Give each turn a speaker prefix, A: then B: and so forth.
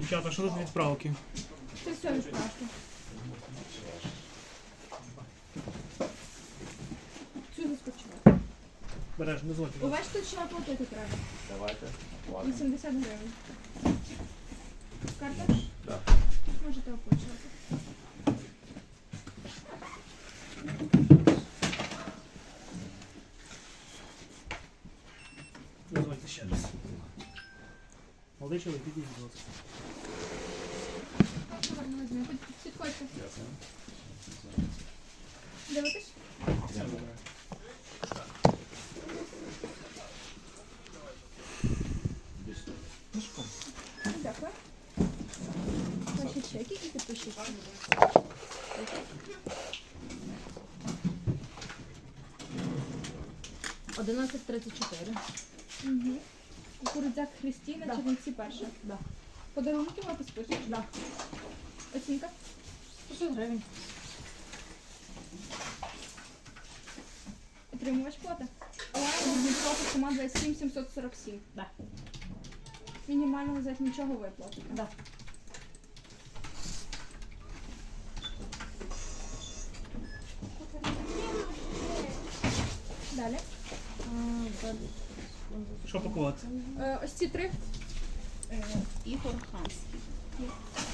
A: Дівчата, що тут відправки?
B: Це все відправки. Цю заскочила.
A: Береш, не зводь.
B: У вас тут ще оплатити треба.
C: Давайте.
B: 80 гривень. Карта?
C: Так.
B: Можете оплачувати.
A: Не зводьте ще раз. Молодий чоловік, підійдіть, будь ласка.
B: Гарно візьмемо. Підходьте.
C: Дякую.
B: Дивитесь?
C: Дякую.
B: Дякую. Ваші чеки і підпишіть.
D: $11.34.
B: Угу. Кукурудзяк Христіна,
D: Да.
B: Чернівці перша.
D: Да.
B: Подарунки ви підпишете?
D: Да.
B: Оцінка?
D: 100 гривень.
B: Отримувач плати? Дніпро, сума 27 747.
D: Да.
B: Мінімального за нічого виплати.
D: Да.
B: Далі.
A: Що пакувати?
B: Ось ці три.
D: Ігор Ханський.